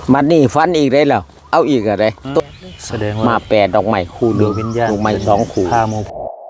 มันนี่ฟันอีกได้แล้วเอาอีกอะไรแสดงว่ามาแปดดอกไม้คู่หดนึ่วงงวิญญาณดอกไม้2คู่พาโม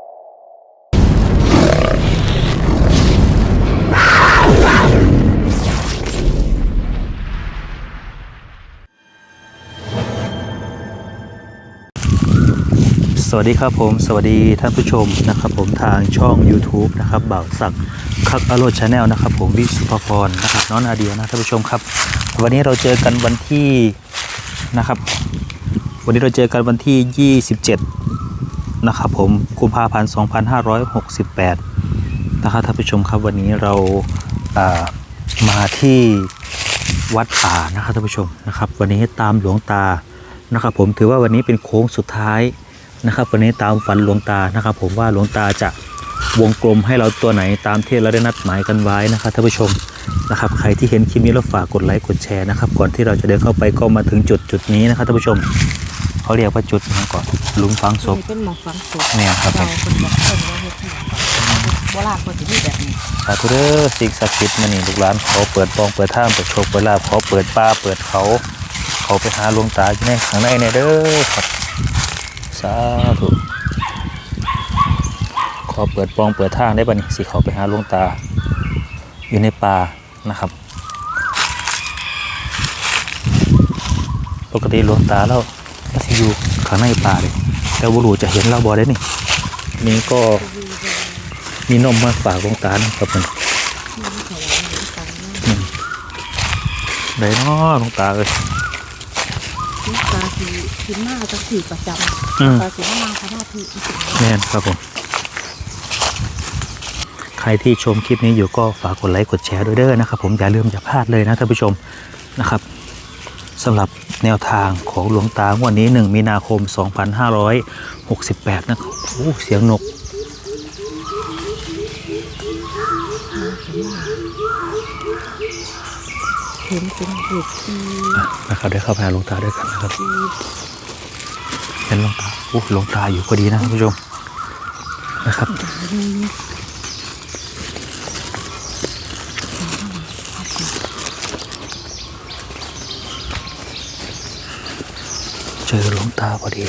สวัสดีครับผมสวัสดีท่านผู้ชมนะครับผมทางช่อง YouTube นะครับบ่าวศักดิ์คักอโรดชาแนลนะครับผมวิสุภพรนะครับน้องนาเดียนะท่านผู้ชมครับวันนี้เราเจอกันวันที่นะครับวันนี้เราเจอกันวันที่27นะครับผมกุมภาพันธ์2568นะครับท่านผู้ชมครับวันนี้เรามาที่วัดป่านะครับท่านผู้ชมนะครับวันนี้ตามหลวงตานะครับผมถือว่าวันนี้เป็นโค้งสุดท้ายนะครับวันนี้ตามฝันหลวงตานะครับผมว่าหลวงตาจะวงกลมให้เราตัวไหนตามที่เราได้นัดหมายกันไว้นะครับท่านผู้ชมนะครับใครที่เห็นคลิปนี้แล้วฝากกดไลค์กดแชร์นะครับก่อนที่เราจะเดินเข้าไปก็มาถึงจุดนี้นะครับท่านผู้ชมเขาเรียกว่าจุดนี้ก่อนหลุมฝังศพเป็นหมอกฝังศพเนี่ยครับเราคนแบบคนว่าเฮ็ดที่โบราณคนสิที่แบบนี้สาธุเด้อสิ่งศักดิ์สิทธิ์มานี่ลูกหลานขอเปิดปองเปิดทางเปิดโชคเปิดลาภขอเปิดป่าเปิดเขาไปหาหลวงตาอยู่ในข้างในเนี่ยเด้อครับสาธุขอเปิดปองเปิดทางได้ป่ะนี่สิเขาไปหาหลวงตาอยู่ในป่านะครับปกติหลวงตาเราสิอยู่ข้างในป่าเลยแต่บุรุษจะเห็นเราบ่ได้นี่ก็มีนมมาฝากหลวงตานะครับมันได้เนาะหลวงตาเลยลูกตาสีกินมากจังสีประจำตาสีมาพระนาทีแน่นครับผมใครที่ชมคลิปนี้อยู่ก็ฝากกดไลค์กดแชร์ด้วยเด้อนะครับผมอย่าลืมอย่าพลาดเลยนะท่านผู้ชมนะครับสำหรับแนวทางของหลวงตางวดนี้1มีนาคม2568นะครับโอ้เสียงนกเห็นเป็นเห็ดที่นะครับได้เข้าไปหาหลวงตาด้วยกันนะครับเป็นหลวงตาโอ้หลวงตาอยู่พอดีนะท่านผู้ชมนะครับเจอหลวงตาพอดี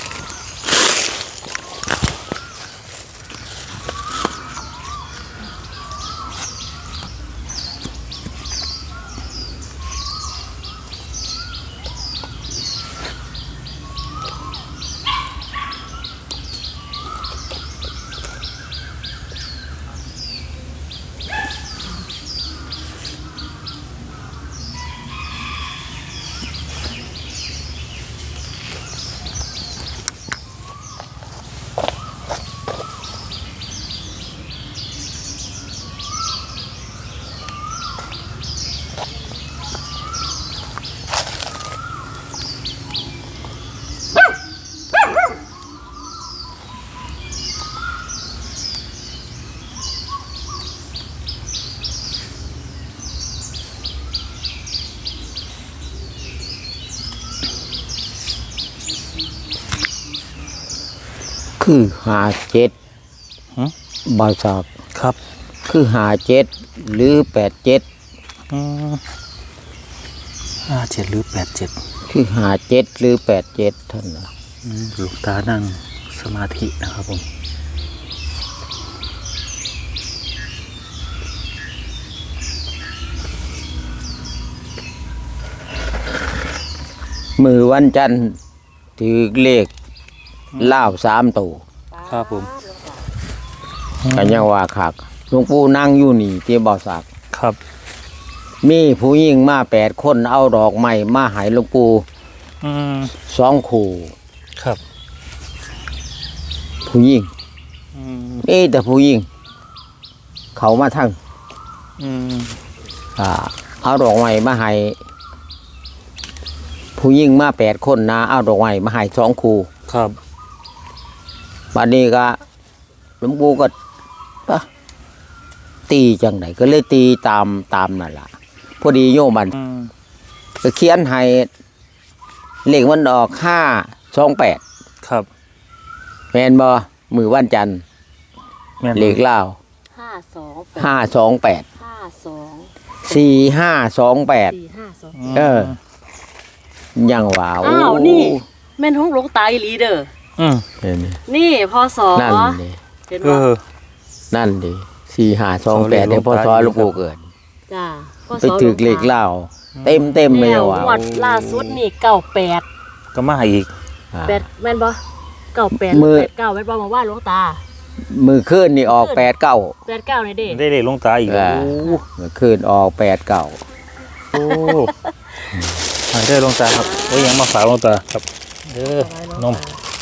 คือ57บ่าวศักดิ์ครับคือ57หรือ87 57หรือ87 คือ57หรือ87ท่านน่ะหลวงตานั่งสมาธินะครับผมมือวันจันทร์ถือเลขลาว3ตัวครับผมก็ยังว่าคักหลวงปู่นั่งอยู่นี่ที่บ่าวศักดิ์ครับมีผู้หญิงมา8คนเอาดอกไม้มาให้หลวงปู่2คู่ครับผู้หญิงแต่ผู้หญิงเขามาทั้งเอาดอกไม้มาให้ผู้หญิงมา8คนนะเอาดอกไม้มาให้2คู่ครับบัดนี้ก็หลวงปู่ก็ตีจังไหนก็เลยตีตามนั่นล่ะพอดีโยมมันก็เขียนให้เลขมันออก528 ครับแม่นบ่มือวันจันทร์แม่นเลขลาว 528 528 52 4528 452 เออยังว่าอ้าวนี่แม่นของหลวงตาอีหลีเด้ออืมเห็นดินี่พศนั่นดิเห็นเอบ่อนั่นดิ4528ได้พศหลวงปู่เกิดจ้าพศไปถึกเลขเล่าเต็มเลยแล้วว่ะงวดล่าสุดนี่98 ก็มาอีกอ่าแม่นบ่98 มือ 89แม่นบ่มาว่าหลวงตามือคืนนี่ออก89 89นี่เด้ได้เลขหลวงตาอีกเออโอ้มือคืนออก89 โอ้ได้หลวงตาครับโอ้ยยังมาฝากหลวงตาครับนม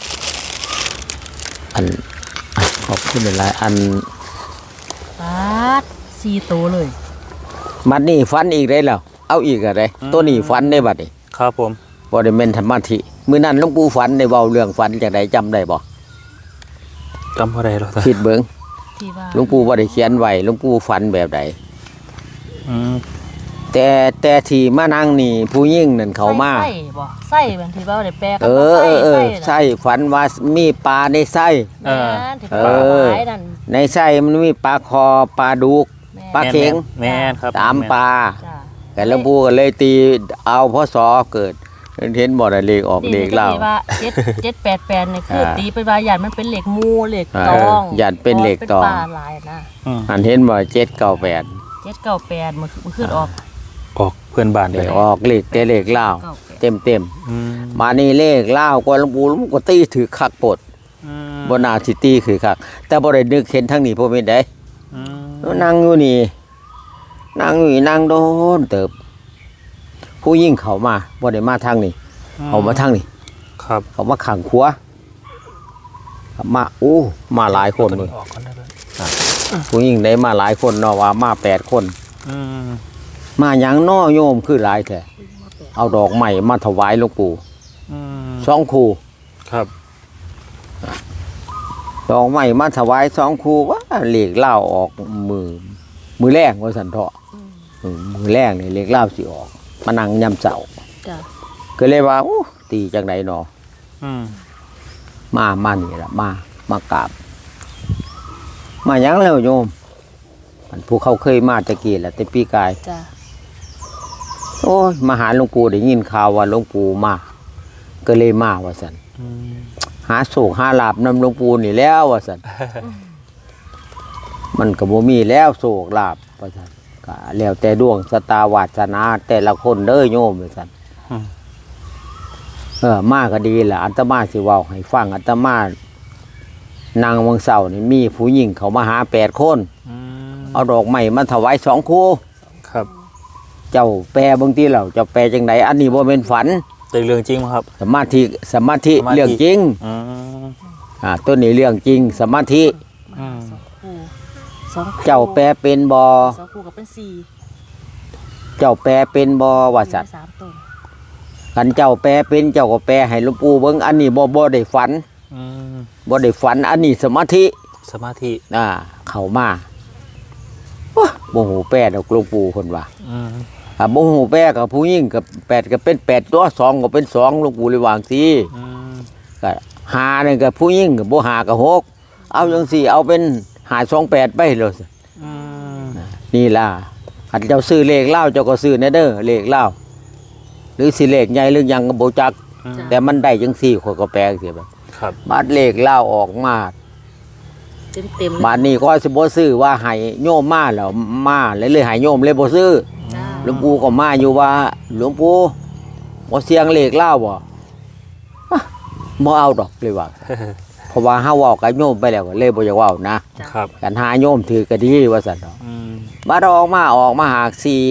อันขอบคุณหลายอันปาด4ตัวเลยมัดนี่ฟันอีกได้แล้วเอาอีกอะไรตัวนี้ฟันได้บัดนี้ครับผมบ่ได้แม่นธรรมะธิมื้อนั้นหลวงปู่ฝันได้เว้าเรื่องฝันจังไดจำได้บ่จำอะไรหลวงตาคิดเบิ่งที่ว่าหลวงปู่บ่ได้เขียนไว้หลวงปู่ฝันแบบใดอืมแต่ที่มานั่งนี่ผู้หญิงนั่นเขามาไส้บ่ไส้บางทีว่าได้แปลกันเอว่าอไส้ไส้ฝันว่ามีปลาในไส้แม่นที่เอว่าอหลายนั่นในไส้มันมีปลาคอปลาดุกแม่ปลาเข็งแม่นครับตามปลาจ้าแต่หลวงปู่ก็เลยตีเอาพศเกิดเห็นบ่ได้เลขออกเลขเล่าที่ว่า788นี่คือตีไปว่าญาติมันเป็นเหล็กมูเหล็กตองญาติเป็นเหล็กตองเป็นปลาหลายนะอืมอันเห็นบ่798 798มันขึ้นออกออกเพื่อนบ้านไปได้ออกเลขแต่เลขเล่า 98 เต็มอืมมานี่เลขเล่าก็หลวงปู่ก็ตีถือคักปดอืมบ่น่าสิตีคือคักแต่บ่ได้นึกเห็นทางนี้บ่แม่นได้อืมนั่งอยู่นี่นั่งอยู่นี่นั่งโดนเติบ ผู้ยิ่งเขามาบ่ได้มาทางนี้เขามาทางนี้ครับเขามาขังขัวมาอู้มาหลายคนเลยออกก่อนได้เลยผู้ยิ่งได้มาหลายคนเนาะว่ามา8คนอืมมาหยังน้อโยมคือหลายแท้เอาดอกไม้มาถวายหลวงปู่อืม 2คู่ครับดอกไม้มาถวาย2คู่ว่าเลขเล่าออกมือแรกว่าซั่นเถาะมือแรกนี่เลขเล่าสิออกมานั่งยามเช้าจ้ะก็เลยว่าโอ้ตีจังไดเนาะอืมมานี่ล่ะมากราบ มาหยังแล้วโยมอันผู้เขาเคยมาตะกี้แหละแต่ปีกายจ้ะโอ้ยมาหาหลวงปู่ได้ยินข่าวว่าหลวงปู่มาก็เลยมาว่าซั่นอืมหาโศกหาลาบนำหลวงปู่นี่แล้วว่าซั่นมันก็บ่มีแล้วโศกลาบว่าซั่นก็แล้วแต่ดวงชะตาวาสนาแต่ละคนเด้อโยมว่าซั่นมาก็ดีล่ะอาตมาสิเว้าให้ฟังอาตมานางวังเสานี่มีผู้หญิงเขามาหา8คนอืมเอาดอกไม้มาถวาย2คู่ครับเจ้าแปลบางทีเราเจ้าแปลจังไดอันนี้บ่เป็นฝันแต่เรื่องจริงมั้ยครับสมาธิสมาธิเรื่องจริงอืมตัวนี้เรื่องจริงสมาธิอืมสองคู่เจ้าแปลเป็นบ่สองคู่กับเป็นสี่เจ้าแปลเป็นบ่ว่าสัตว์สามต้นคันเจ้าแปลเป็นเจ้าก็แปลให้หลวงปู่เบิ่งอันนี้บ่ได้ฝันอืมบ่ได้ฝันอันนี้สมาธิสมาธิเข้ามาโอ้บ่ฮู้แปลดอกหลวงปู่เพิ่นว่าอืมบ่ฮู้แปลกับผู้หญิงกับ8ก็เป็น8ตัว2ก็เป็น2หลวงปู่เลยวาจั่งซี่อืมก็5นี่ก็ผู้หญิงก็บ่5ก็6เอาจังซี่เอาเป็น528ไปเลยอืมนี่ล่ะคันเจ้าซื้อเลขเล่าเจ้าก็ซื้อแน่เด้อเลขเล่าหรือสิเลขใหญ่หรือหยังก็บ่จักอืมแต่มันได้จังซี่ข้อยก็แปลจังซี่บัดครับบาดเลขเล่าออกมาเต็มบาดนี้ก็สิบ่ซื้อว่าให้โยมมาแล้วมาเลยให้โยมเลยบ่ซื้อจ้าหลวงปู่ก็มาอยู่ว่าหลวงปู่บ่เสียงเลขเล่าบ่อ่ะบ่เอาดอกเลยว่าเพราะว่าเฮาเว้ากับโยมไปแล้วก็เลยบ่อยากเว้านะครับ กันหาโยมถือก็ดีว่าซั่นดอกอืมบาดออกมาหาก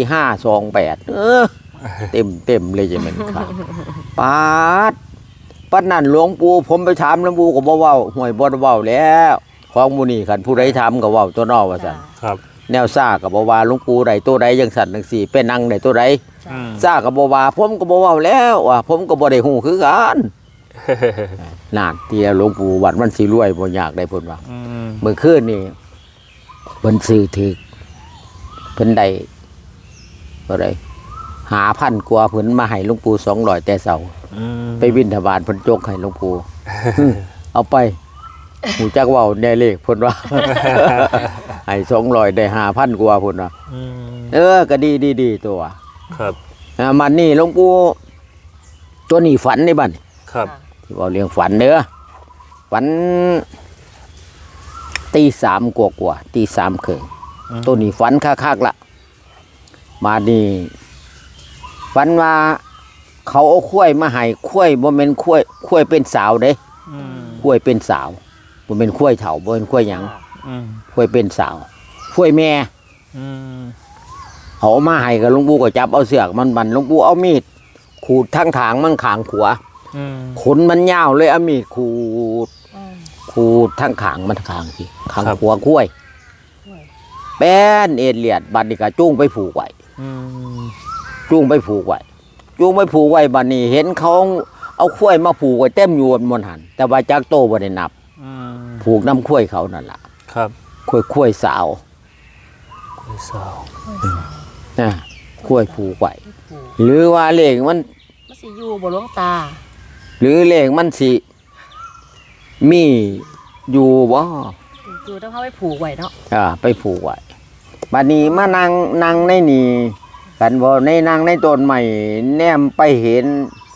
4528เต็มเลยจะแม่นครับปาดปัดนั่นหลวงปู่ผมไปถามหลวงปู่ก็บ่เว้าห่วยบ่ได้เว้าแล้วของหมู่นี้คันผู้ใดถามก็เว้าตัวนอกว่าซั่นครับแนวซ่าก็บ่ว่าหลวงปู่ใดตัวใดจังซั่นจังซี่เป็นนั่งได้ตัวใดอืมซ่าก็บ่ว่าผมก็บ่เว้าแล้วว่าผมก็บ่ได้ฮู้คือกันนั่นที่หลวงปู่วัดมันสิรวยบ่ยากได้เพิ่นว่าอืมเมื่อคืนนี่เพิ่นซื้อถึกเพิ่นได้บ่ได้5,000กว่าเพิ่นมาให้หลวงปู่200แต่เช้าอืมไปบิณฑบาตเพิ่นจกให้หลวงปู่ เอาไปหูจักเว้าแน่เลขเพิ่นว่า ให้200ได้5,000กว่าเพิ่นว่าอืมก็ดีตัวครับมันนี่หลวงปู่ตัวนี้ฝันในบ้านครับที่เราเรียงฝันเด้อฝันตีสามกว่าตีสามครึ่งตัวนี้ฝันคักๆละมานี่ฝันว่าเขาเอาข้วยมาให้ข้วยบ่แม่นข้วยเป็นสาวเด้อืมข้วยเป็นสาวบ่แม่นข้วยเฒ่าบ่แม่นข้วยหยังอืมข้วยเป็นสาวข้วยแม่อืมเอามาให้กับหลวงปู่ก็จับเอาเสือกมันหลวงปู่เอามีดขูดทั้งถางมันขางขวาอืมขนมันยาวเลยเอามีดขูดอืมขูดทั้งขางมันขางสิขางครับขวากล้วยกล้วยแป้นเอ็ดเลียดบัดนี้ก็จูงไปผูกไว้อืมจูงไปผูกไว้จูงไปผูกไว้บัดนี้เห็นเขาเอาข้วยมาผูกไว้เต็มอยู่บนหันแต่ว่าจักโตบ่ได้นับอืมผูกน้ำข้วยเขานั่นล่ะครับข้วยสาวกล้วยสาวนะข้วยผูกไว้ผูกหรือว่าเลขมันมันสิอยู่บ่หลวงตาหรือเลขมันสิมีอยู่บ่อยู่ต้องเข้าไปผูกไว้เนาะไปผูกไว้บัดนี้มานั่งในนี่กันบ่ในนั่งในต้นใหม่แนมไปเห็น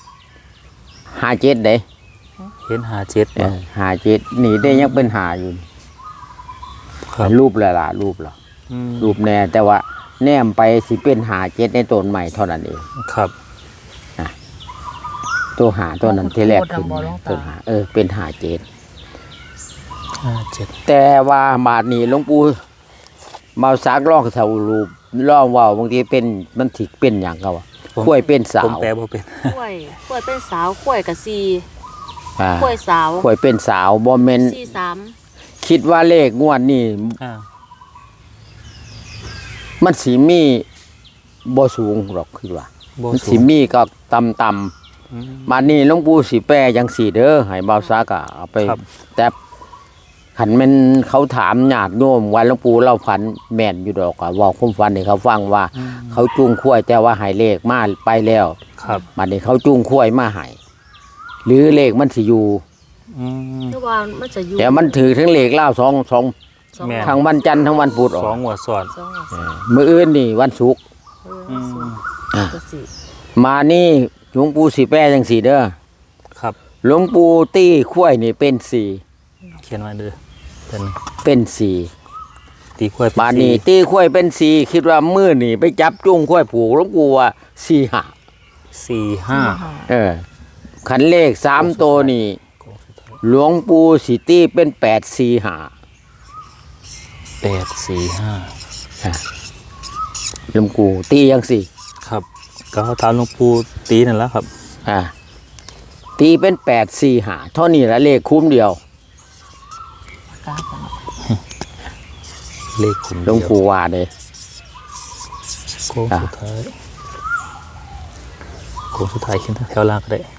57เด้เห็นหาเจ็ดบ่ 57นี่ได้ยังเป็นหาอยู่ครับรูปละล่ะรูปละอืมรูปแน่แต่ว่าแนมไปสิเป็น57ในต้นใหม่เท่านั้นเองครับตัวหาตัวนั้นที่แรกขึ้นมาต้นหาเป็น57 ห้าเจ็ดแต่ว่าบาดนี้หลวงปู่มาสักร้องเสารูปร้องเว่าบางทีเป็นมันถิเป็นอย่างเขาว่าข้วยเป็นสาผมวแปลบ่เป็นกล้วยกล้วยเป็นสาวกล้วยกับซีอ่ากล้วยสาวข้วยเป็นสาวบ่แม่นซีสามคิดว่าเลขงวดนี้อ่ามันสิมีบ่สูงหรอกคือว่าบ่มันสูสิงมีก็ต่ำอืมๆมานี่หลวงปู่สิแปลจังสี่เด้อให้เบาซักอะเอาไปครับแต่ขันแมันเขาถามญาติโยมว่าหลวงปู่เราฝันแม่นอยู่ดอกอะเว่าความฝันให้เขาฟังว่าอืมเขาจูงข้วยแต่ว่าให้เลขมาไปแล้วครับบัดนี้เขาจูงข้วยมาให้หรือเลขมันสิอยู่อืมเพราะว่ามันจะอยู่แต่มันถือทั้งเลขเล่าสองสองแม่ทั้งวันจันทร์ทั้งวันพุธออสอก งหัวสอดสองมื้ออื่นนี่วันศุกร์อืมอ่ะก็สิมานี่หลวงปู่สิแปลจังสี่เด้อครับหลวงปู่ตี้ข้วยนี่เป็นสี่เขียนไว้เด้อเป็นเป็นสี่ตีกล้วยเป็บาดนี้ตี้ข้วยเป็นสี่คิดว่ามื้อนี่ไปจับจูงข้วยผูกหลวงปู่ว่าสี่หาสี่ห้าขันเลข3ตัวนี่หลวงปู่สิตี้เป็น845 แปดสี่ห้าหลวงปู่ตียังสี่ครับก็เขาถามหลวงปู่ตีนั่นแหล้วครับตีเป็น845เท่านี้ละเลขคุ้มเดียวกราฟกันเลขขุนหลวงปู่ว่าเด้โค้งสุดท้ายโค้งสุดท้ายขึ้นแถวล่างก็ได้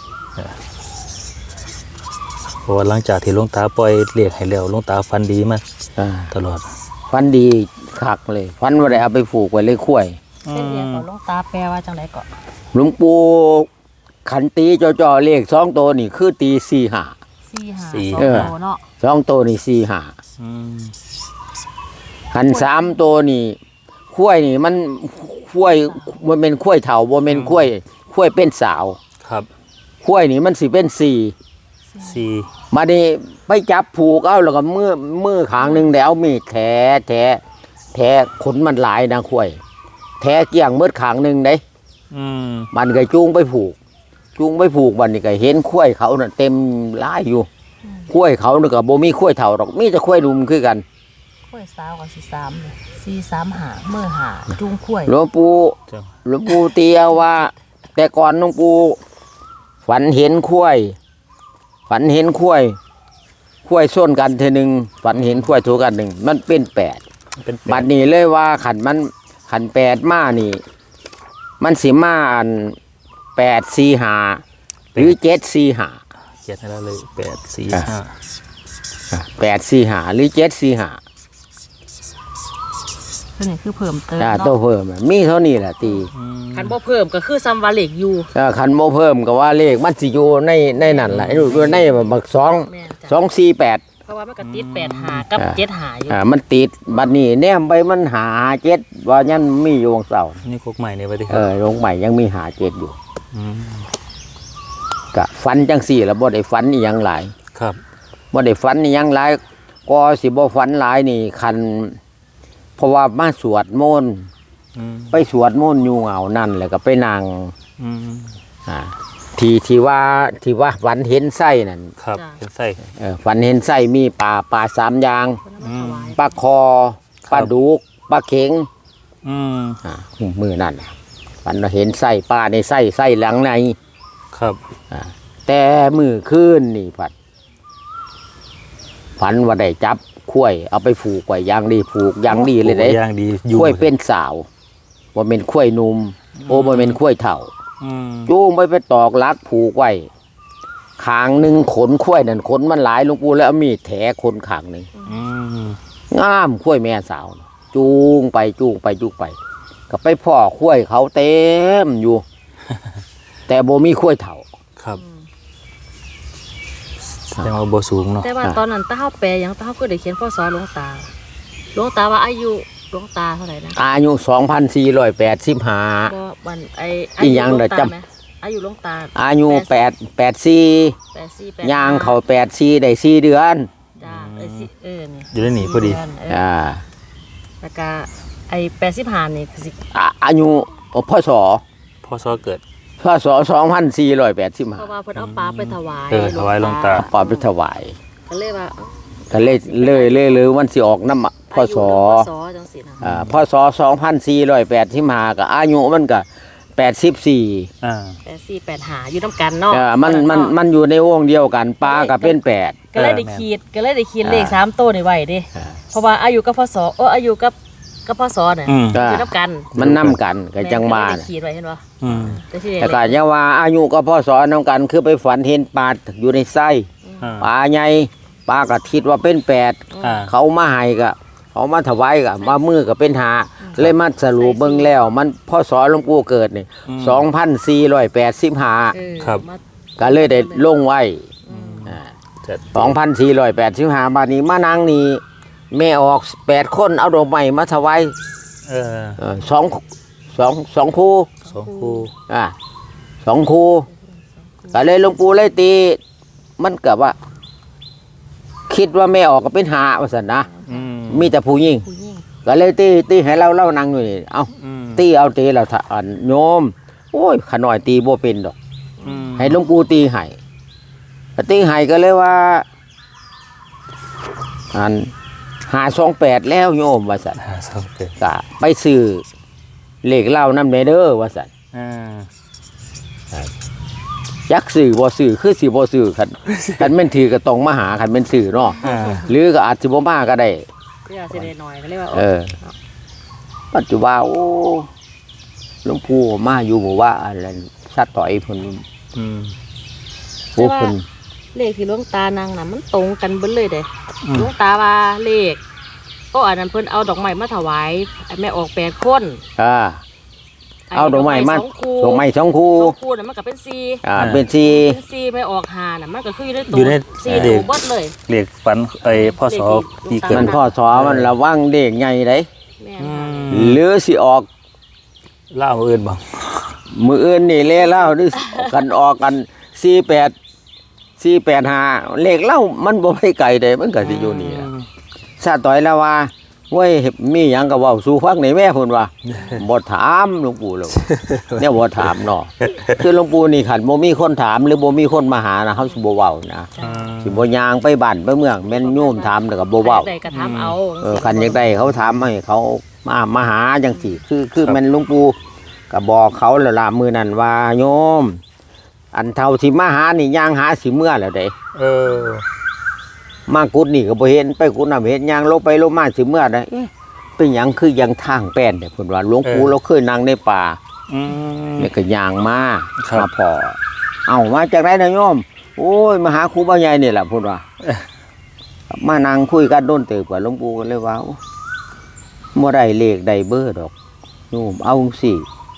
เพราะว่าหลังจากที่หลวงตาปล่อยเลขให้แล้วหลวงตาฟันดีมากตลอดฟันดีคักเลยฟันว่าได้เอาไปผูกไว้เลยคุ้วยเป็นเรียนก่อนหลวงตาแปลว่าจังไดก่อนหลวงปู่ขันตีจ่อๆเลข2ตัวนี่คือตี45 สี่หาสี่สองโตเนาะ 2ตัวนี่45 อืมขัน3ตัวนี่คุ้วยนี่มันคุ้วยมันเป็นคุ้วยเฒ่าบ่แม่นคุ้วยเป็นสาวครับคุ้วยนี่มันสิเป็น4 สี่มาดิไปจับผูกเอาแล้วก็มือขางหนึ่งแล้วมีดแท้ขนมันหลายนะข่วยแท้เกี่ยงมืดขางหนึ่งเด้อืมมันก็จูงไปผูกวันนี้ก็เห็นข้วยเขาน่ะเต็มหลายอยู่ข้วยเขานี่ก็บ่มีข้วยเท่าดอกมีแต่ข้วยดุมคือกันกล้วยสาวกับสี่สามเลยสี่สามหาเมื่อหาจุงกล้วยหลวงปู่จ้ะหลวงปู่เตียว่า แต่ก่อนหลวงปู่ฝันเห็นข้วยส้นกันเทอหนึงฝันเห็นข้วยถูกกันหนึ่งมันเป็น8 เป็นแปบัดดนี้เลยว่าขัน8มานี่ มันสิมาอัน845หรือ745 เขียนให้แล้วเลยแปดสี่อ่ะห้า 845หรือ745 ตัวนี้คือเพิ่มเติมตัวเนาะเพิ่มอะมีเท่านี้แหละตีอืมคันบ่เพิ่มก็คือซัมวาเล็กอยู่ขันโมเพิ่มก็ว่าเลขมันสิอยู่ในนั่นแหละอยู่ในบัก2 แม่นจ้ะ 248 เพราะว่ามันก็ติด8หากับ7หาอยู่มันติดบัดนี้แนมไปมันหา7ว่ายันมีอยู่วงเสานี่โคกใหม่เนี่ยไปดิคเอรับอลงใหม่ยังมีหา7อยู่มกะฝันจังสี่แล้วบ่ได้ฝันอีหยังหลายครับบ่ได้ฝันอีหยังหลายก็สิบ่ฝันหลายนี่คันเพราะว่ามาสวดมนต์อืมไปสวดมนต์อยู่เหงานั่นแล้วก็ไปนั่งอืมที่ว่าฝันเห็นไส้นั่นครับเห็นไส้ฝันเห็นไส้มีปลาสามอย่างคนเอามาถวายปลาคอปลาดุกปลาเข็งอืมมือนั่นน่ะฝันว่าเห็นไส้ปลาในไส้หลังในครับแต่มือขึ้นนี่ฝันว่าได้จับข้วยเอาไปผูกไว้อยางดีผูกอยางดีเลยเด้ย่างดีอยู่ข้วยเป็นสาวว่าเป็นข้วยหนุ่มโอ้ว่าเป็นข้วยเถ่าอืมจูงไปตอกลักผูกไว้ขางหนึ่งขนข้วยนั่นขนมันหลายหลวงปู่แล้วเอามีดแถขนขางหนึ่งอืมงามข้วยแม่สาว จูงไปก็ไปพ่อข้วยเขาเต็มอยู่ แต่โบมีข้วยเถ่าครับแสดงว่าบ่สูงเนาะแต่ว่าตอนนั้นตาเฮาแปลหยังตาเฮาก็ได้เขียนพศหลวงตาว่าอายุหลวงตาเท่าไหร่นะอายุ 2485 บ่วันอีหยังเด้อจำไหมอายุหลวงตาอายุ84 84 ย่างเขา84ได้4 เดือนจ้านี่อยู่ในนี่พอดี 4เน แล้วก็ไอ้85นี่คือสิอายุพศพ่อซอเกิดพศเพราะ 2485 ว่าเพิ่นเอาปลาไปถวายถวายหลวงตาปอไปถวายก็เลยว่าก็เลยวันสิออกน้ำพศพศจังซี่นะพศ2485ก็อายุมันก็84 อ่า 8485อยู่นำกันเนาะมันอยู่ในวงเดียวกันปลาก็เป็น8 ก็เลยได้ขีดเลข3ตัวนี่ไว้เด้เพราะว่าอายุกับพศอายุกับพศเนี่ยอืมอยู่นำกันมันนำกันก็จังมาก็เลยได้ขีดไว้เห็นบ่อืมแต่ก็ยังว่าอายุก็พศนำกันคือไปฝันเห็นปลาอยู่ในไส้อ่าปลาใหญ่ปลาก็คิดว่าเป็น8 อ่าเขามาให้ก็เขามาถวายก็มามือก็เป็นหาเลยมาสรุปเบิ่งแล้วมันพศหลวงปู่เกิดนี่2485 ครับก็เลยได้ลงไว้จะ 2485 บาทนี้มานั่งนี่แม่ออก8 คนเอาดอกไม้มาถวาย สองคู่สองคู่สองคู่ก็เลยหลวงปู่เลยตี มันเกิดว่า คิดว่าแม่ออกก็เป็นหาว่าซั่นนะอืมมีแต่ผู้หญิงผู้หญิงก็เลยตีให้เรานั่งอยู่นี่เอาอืมตีเอาตีเราถ้าโยมโอ้ยขน่อยตีบ่เป็นดอกอืมให้หลวงปู่ตีให้ตีให้ก็เลยว่า528แล้วโยมว่าซั่นสองเกิดก็ไปซื้อเลขเล่านำเด้อว่าซั่นอ่ายักซื้อบ่ซื้อคือสิบ่ซื้อคันแม่นถือก็ต้องมาหาคันแม่นซื้อเนาะอ่าหรือก็อาจสิบ่มาก็ได้ก็อยากสิได้หน่อยก็เลยว่าปัจจุบันโอ้หลวงปู่มาอยู่บ่ว่าอะไรสัตว์ต่อยเพิ่นอืมโอ้เพิ่นเลขที่หลวงตานางน่ะมันตรงกันเบิดเลยเด้อืมหลวงตาว่าเลขอันนั้นเพิ่นเอาดอกไม้มาถวายแม่ออก8คนเอาดอกไม้มาสองคู่ดอกไม้2คู่สองคู่น่ะมันก็เป็น4 เป็นเป็น4ไม่ออก5น่ะมันก็คืออยู่ในตัวอยู่ใน 4ตัวเบิดเลยเรียกฝันพ่อซอที่ 4 เกิดมันพ่อสอมันระวังเด็กใหญ่เด้แม่นอืค่ะมหรือสิออกเล่าอื่นบ้างมื้ออื่นนี่เลขเล่าหรือกันออกกัน485เลขเล่ามันบ่ไปไกลเด้มันก็สิอยู่นี่ล่ะ ซาต่อยแล้วว่าเว้ยมีหยังก็เว้าสู่ฟังในแม่เพิ่นว่า บ่ถามหลวงปู่เลยเนี่ยบ่ถามเนาะคือหลวงปู่นี่คันบ่มีคนถามหรือบ่มีคนมาหานะเฮาสิบ่เว้านะสิบ่ย่างไปบ้านไปเมืองแม่นโยมถามแล้วก็บ่เว้าได้ก็ถามเอาคันอยากได้เขาถามให้เขามาหาจังซี่คือแม่นหลวงปู่ก็บอกเขาแล้วล่ะมื้อนั้นว่าโยม อันเท่าที่มาหานี่ย่างหาสิเมื่อแล้วเด้เออมากุดนี่ก็บ่เห็นไปกุดน่ะเห็นยางลงไปลงมาสิเมื่อใดเอ๊ะเป็นหยังคือยังทางแป้นเด้เพิ่นว่าหลวงปู่เราเคยนั่งในป่าอืมนี่ก็ย่างมาครับมาพอเอามาจากไหนนะโยมโอ้ยมาหาครูบาใหญ่นี่แหละเพิ่นว่ามานั่งคุยกันโดนเติบกับหลวงปู่กันเลยว่าบ่ได้เลขได้เบอร์ดอกโยมเอาสิ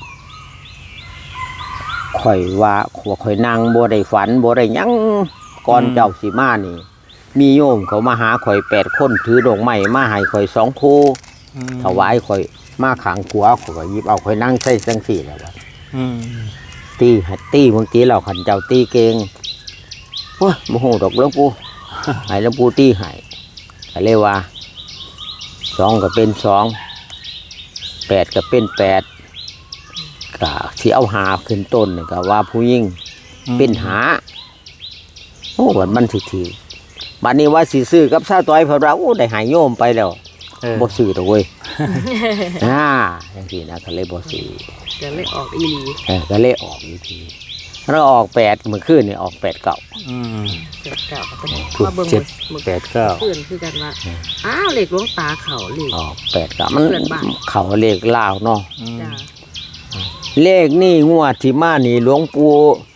ข่อยว่าข่อยนั่งบ่ได้ฝันบ่ได้หยังก่อนเจ้าสิมานี่มีโยมเขามาหาข่อย8 คนถือดอกไม้มาให้ข่อย2 คู่อืมถวายข่อยมาขางขวาข่อยก็หยิบเอาข่อยนั่งใส่จังซี่แหล้วว่าอืมตีบางทีเราขันเจ้าตีเก่งโอ้ยโมโหดอกหลวงปู่ ให้หลวงปู่ตีให้ก็เลยว่า2ก็เป็น2 8ก็เป็น8ก็สิเอาหาขึ้นต้นนี่ก็ว่าผู้หญิงเป็นหาโอ้วันมันสิถือบัดนี้ว่าสิซื้อกับซาต้อยเพิ่นว่าโอ้ได้หายโยมไปแล้วบ่ซื้อดอกเว้ย จังซี่นะก็เลยบ่ซื้อจะไม่ออกอีหลีก็เลยออกอีกทีแล้วออก8เมื่อคืนนี่ออก8 9 อืมเจ็ดเก่าก็เป็นถูกมาเบิ่ง 7 8 9 เพื่อนคือกันว่าอ้าวเหล็กหลวงตาเขาเหล็กออก8 9มันเพื่อนบ้านเขาเลขลาวเนาะจ้าเลขนี่งวดที่มานี่หลวงปู่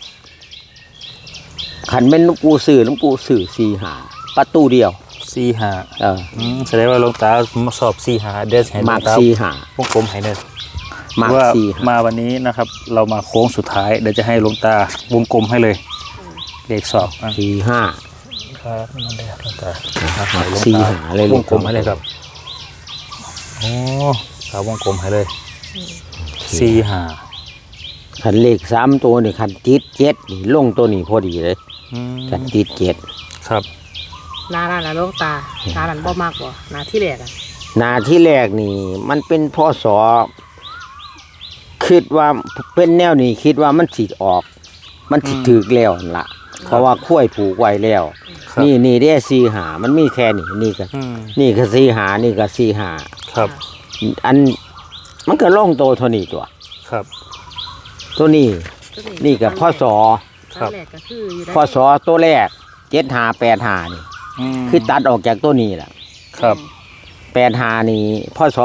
ขันแม่นหลวงปู่ซื้อหลวงปู่ซื้อ4-5ประตูเดียว 4-5แสดงว่าหลวงตามาสอบ4-5เดี๋ยวให้หลวมาง กตา 4-5 วงกลมให้เด้อมากว่า 4-5 มาวันนี้นะครับ เรามาโค้งสุดท้ายเดี๋ยวจะให้หลวงตาวงกลมให้เลยเลขสอบอ่ะ 4-5 ครับนั่นแหละหลวงตา 4-5เลยวงกลมให้เลยครับโอ้ครับวงกลมให้เลย4-5 ขันเลข3ตัวนี่ขันติด7นี่ลงตัวนี้พอดีเลยขันติด7 ครับนาน่ะหลวงตานานั่นบ่มากบ่นาที่แรกอ่ะหน้าที่แรกนี่มันเป็นพศคิดว่าเป็นแนวนี้คิดว่ามันสิออก มันสิถึกแล้วนั่นล่ะเพราะว่าคุ้ยผูกไว้แล้วครับนี่ได้4-5มันมีแค่นี้นี่ก็อืมนี่ก็4-5นี่ก็4-5 ครับอันมันก็ลงโตเท่านี้ตัวครับตัวนี้นี่ก็พศครัครั้บงแรกก็คืออยู่ได้พศตัวแรก7585นี่มคือตัดออกจากตัวนี้ล่ะครับ 85นี่พศ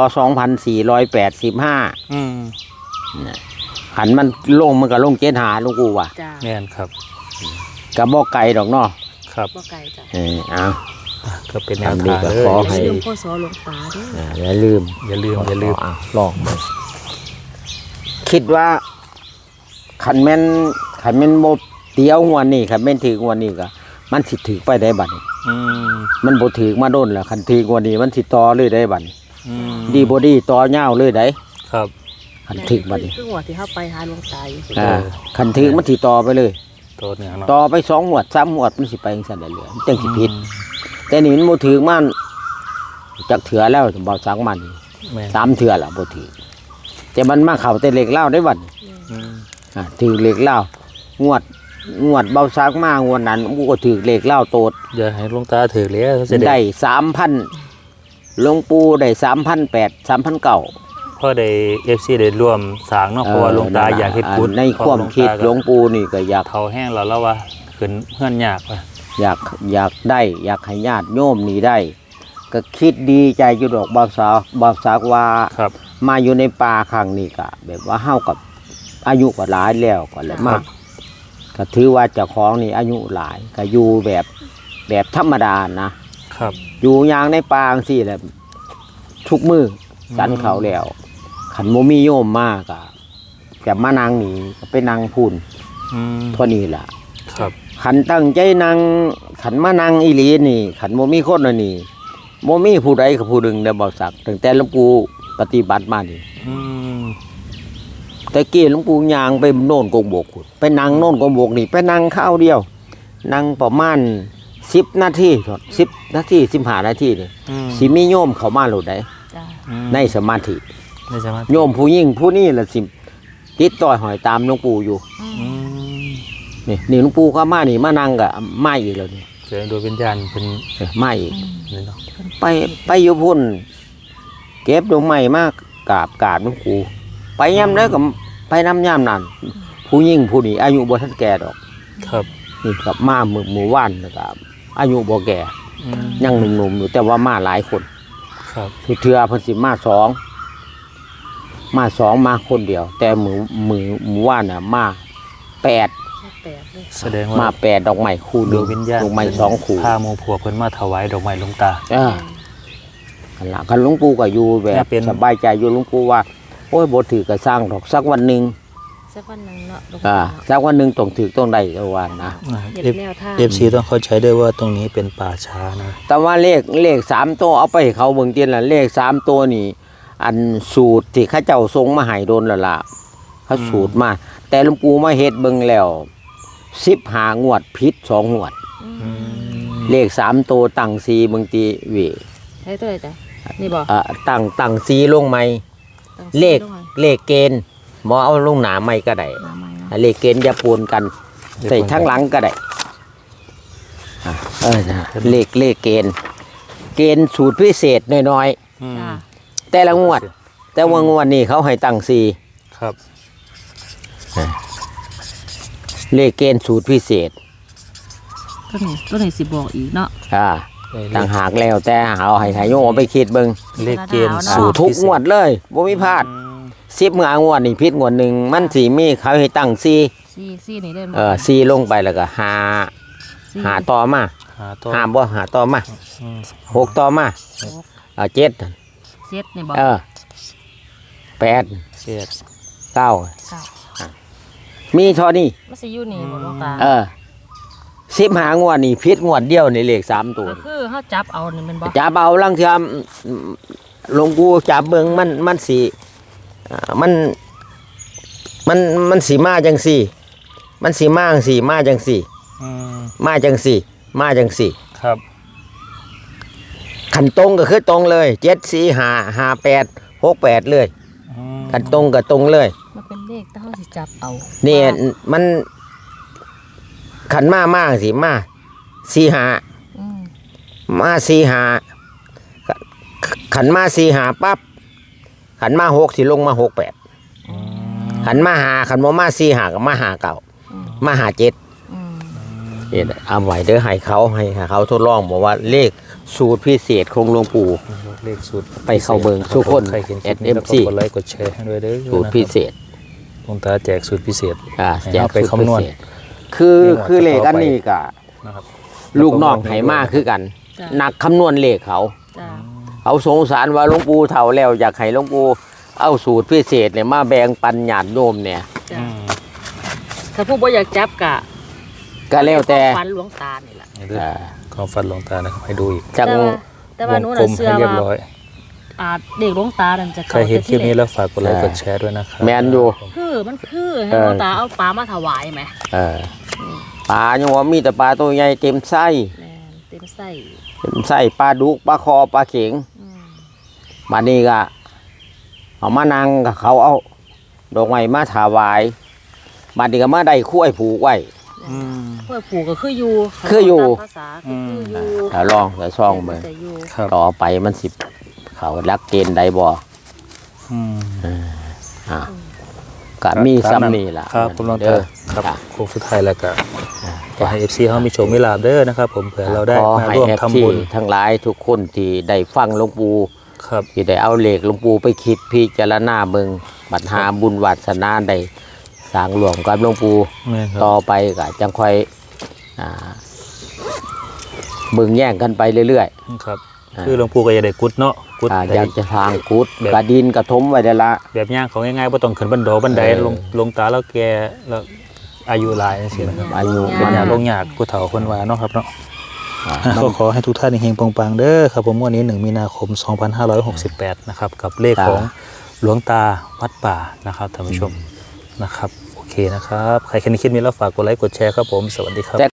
2485 อืมหันมันลงมันก็ลง75ลุงกูว่ะจ้าแม่นครับก็บ่ไกลดอกเนาะครับบ่ไกลจ้ะเอาก็เป็นแนวทำดีทางก็เลยขออย่าให้ลืมพ่อสอหลวงตาด้วยอย่าลืมอย่าลืมลองมาคิดว่าขันแม่นโมเตียวงวนนี่ขันแม่นถืองวนนี่ก็มันสิถือไปได้บัดนี้อืมมันบ่ถือมาโดนแล้วขันถืองวนนี้มันสิต่อเลยได้บัดนี้อืมดีบ่ดีต่อยาวเลยได้ครับขันถือบัดนี้คือหัวที่เข้าไปหาหลวงตาอยู่ขันถือมันสิต่อไปเลยตัวเหนือเนาะต่อไป2งวด3งวดมันสิไปจังซั่นได้เลยมันจังสิผิดแต่นี่มันบ่ถือมันจักเถือแล้วบ่สังมันนี่แม่น 3เถือล่ะบ่ถือแต่มันมาเข้าแต่เหล็กเหล้าได้บัดนี้อืมถือเหล็กเหล้างวดเบาซักมางวดนั้นกูก็ถือเหล็กเหล้าโตดอย่าให้หลวงตาถือเลยจะได้3,000หลวงปู่ได้3,800 3,900 พ่อได้ FC ได้ร่วมสร้างเนาะเพราะว่าหลวงตาอยากเฮ็ดบุญในความคิดหลวงปู่นี่ก็อยากเฒ่าแห้งแล้วว่าขึ้นเฮือนยากว่ะอยากได้อยากให้ญาติโยมนี่ได้ ก็คิดดีใจอยู่ดอกบางสาวว่าครับมาอยู่ในป่าครั้งนี้ก็แบบว่าเฮากับอายุก็หลายแล้วก็เลยมากก็ถือว่าเจ้าของนี่อายุหลายก็อยู่แบบธรรมดานะครับ อยู่อย่างในป่าจังซี่แหละทุกมือสันเขาแล้วขันโมมีโยมมากอะแต่มานางนี่ก็ไปนางพูนอืมเท่านี้ล่ะครับขันตั้งใจนางขันมานางอีหลีนี่ขันโมมีคนอันนี่โมมีผู้ใดกับผู้หนึ่งได้บอกสักตั้งแต่หลวงปู่ปฏิบัติมานี่อืมแต่กี้หลวงปู่ยางไปโน่นกงบกพุ่นไปนั่งโน่นกงบกนี่ไปนั่งข้าวเดียวนั่งประมาณ10 นาที10 นาที15 นาทีนี่อืมสิมีโยมเข้ามาโหลดได้จ้าในสมาธิได้สมาธิโยมผู้ยิ่งผู้นี่ละสิติดต่อหอยตามหลวงปู่อยู่อืมนี่หลวงปู่ก็มานี่มานั่งกับมาอีกแล้วนี่เจอโดยวิญญาณเป็นมาอีกนี่เนาะไปอยู่พุ่นเก็บดอกไม้มากกราบหลวงปู่ไปย่ำแล้วก็ไปน้ำย่ำนั่นผู้ยิ่งผู้นี่อายุบ่ทันแก่ดอกครับนี่กับมาหมู่ว่านนะครับอายุบ่แก่อืมยังหนุ่มๆอยู่แต่ว่ามาหลายคนครับทุกเทือเพิ่นสิมา2มาคนเดียว แต่หมู่ว่านน่ะมา8 แปดเลยแสดงมาว่า 8ดอกไม้คู่หดนึวงงวิญญาณดอกไม้2คู่พาหมู่ผัวเพิ่นมาถวายดอกไม้หลวงตาคันละคันหลวงปู่ก็อยู่แบเนี่ยบเป็นสบายใจอยู่หลวงปู่ว่าโอ้ยบ่ถือก็สร้างดอกสักวันหนึงสักวันหนึงเนาะหลวงอ่าตาสักวันหนึงต้องถือต้องได้ก็ว่านะเห็นแนวทาง FC ต้องเข้าใจด้วยว่าตรงนี้เป็นป่าช้านะแต่ว่าเลข3ตัวเอาไปให้เขาเบิ่งเตียนล่ะเลข3ตัวนี่ อันสูตรที่เขาเจ้าทรงมาให้โดนแล้วล่ะเขาสูตรมาแต่หลวงปู่มาเฮ็ดเบิ่งแล้ว15งวดผิด2งวด เลข3ตัวตั้ง4บางทีเวิให้ตัวไหนจ้ะนี่บอกตั้ง4ลงใหม่เลขเกณฑ์บ่เอาลงหนาใหม่ก็ได้เลขเกณฑ์อย่าปนกันใส่ทั้งหลังก็ได้เลขเกณฑ์สูตรพิเศษน้อยจ้าๆแต่ละงวด แต่ว่างวดนี้เขาให้ตั้ง4 ครับเลขเกณฑ์สูตรพิเศษตัวไหนสิบอกอีกเนาะต่างหากแล้วแต่เอาให้โยมเอาไปคิดเบิ่งเลขเกณฑ์สูสูตตรรทุกงวดเลยบ่มีพลาด10งวดนี่ผิดงวดหนึงมันสิมีเขาให้ตั้ง4 ซี่นี่ได้ 4ลงไปแล้วก็หาต่อมาหาตัวหาบ่หาต่อมา6ต่อมา7 เจ็ดนี่บอก 8 เจ็ด 9 เก้ามีเท่านี้มันสิอยู่นี่บอกหลวงตา 15งวดนี่ผิดงวดเดียวนี่เลข3ตัวก็คือเขาจับเอานี่มันบอกจับเอาลังเทื่อหลวงปู่จับเบิ่งมันสิมันสิมาจังซี่มันสิมาจังซี่มาจังซี่ มาจังซี่มาจังซี่ครับขันตรงก็คือตรงเลย7 4 5 5 8 6 8เลยขันตรงก็ตรงเลยมันเป็นเลขแต่เขาสิจับเอานี่มันขันมาสิมา4 5 อืมมา4 5ขันมา4 5ปั๊บขันมา6สิลงมา6 8ขันมา5ขันบ่มา4 5ก็มา5 9มา5 7 อืมนี่เอาไว้เด้อให้เขาทดลองบอกว่าเลขสูตรพิเศษของหลวงปู่เลขสูตรไปเข้าเบิ่งทุกคนใครเห็นคลิปนี้แล้วก็ SMC กดไลค์กดแชร์ให้ด้วยเด้อสูตรพิเศษหลวงตาแจกสูตรพิเศษแจกเอาไปสูตรพิคำนวณเศษคือเลขอันนี้ก็นะครับลูกน้องไหมาคือกันนักคำนวณเลขเขาจ้าเขาสงสารว่าหลวงปู่เฒ่าแล้วอยากให้หลวงปู่เอาสูตรพิเศษเนี่ยมาแบ่งปันญาติโยมเนี่ยจ้าถ้าผู้บ่อยากจับกะก็แล้วแต่ฟันหลวงตานี่แหละนี่เด้อความฝันหลวงตานะครับให้ดูอีกจังแต่ว่าหนูวงกลน่ะมเชื่ให้อเรียบว่าร้อยเด็กหลวงตานั่นจะใครเห็นคลิปนี้แล้วฝากกดไลค์กดแชร์ด้วยนะครับแมนอยู่มันคือให้หลวงตาเอาปลามาถวายไหมปลายังว่ามีแต่ปลาตัวใหญ่เต็มไส้แม่นเต็มไส้ปลาดุกปลาคอปลาเข็งอืมบัดนี้ก็เอามานั่งกับเขาเอาดอกไม้มาถวายบัดนี้ก็มาได้คุ้ยผูกไว้เพื่อผูกก็คืออยู่คืออยู่ตามภาษาคืออยู่ถ้าลองแต่ซองเบิ่งแต่อยู่ครับต่อไปมันสิเขารักเกณฑ์ใดบ่อืมก็มีซ้ำนี่ล่ะครับคุณหลวงเด้ตาอครับจ้ะโค้งสุดท้ายแล้วก็ขอให้ FC เฮามีโชคมีลาภเด้อนะครับผมเผื่อเราได้ขอมาให้ร่วมแอทำบุญทั้งหลายทุกคนที่ได้ฟังหลวงปู่ครับที่ได้เอาเลขหลวงปู่ไปคิดพิจารณาเบิ่งบัดหาบุญวาสนาได้สร้างรวมกับหลวงปู่แม่นคต่รัอบ ไปก็จังค่อยเบิ่งแย่งกันไปเรื่อยครับ คือหลวงปู่ก็จะได้กุดเนาะกุดๆได้อยากจะทางกุดแบบกระดินกระทมไว้ได้ละแบบย่างของง่ายๆบ่ต้องขึ้นบันไดบันไดเออลงตาแล้วแกแล้วอายุหลายจังซี่นะครับอายุเป็นมันยากลงยากผู้เฒ่าคนว่าเนาะครับเนาะอ่าก็ขอให้ทุกท่านเฮงๆปังๆเด้อครับผมวันนี้1มีนาคม 2568นะครับกับเลขของหลวงตาวัดป่านะครับท่านผู้ชมนะครับโอเคนะครับใครแค่นี้คิดมีแล้วฝากกดไลค์กดแชร์ครับผมสวัสดีครับแต่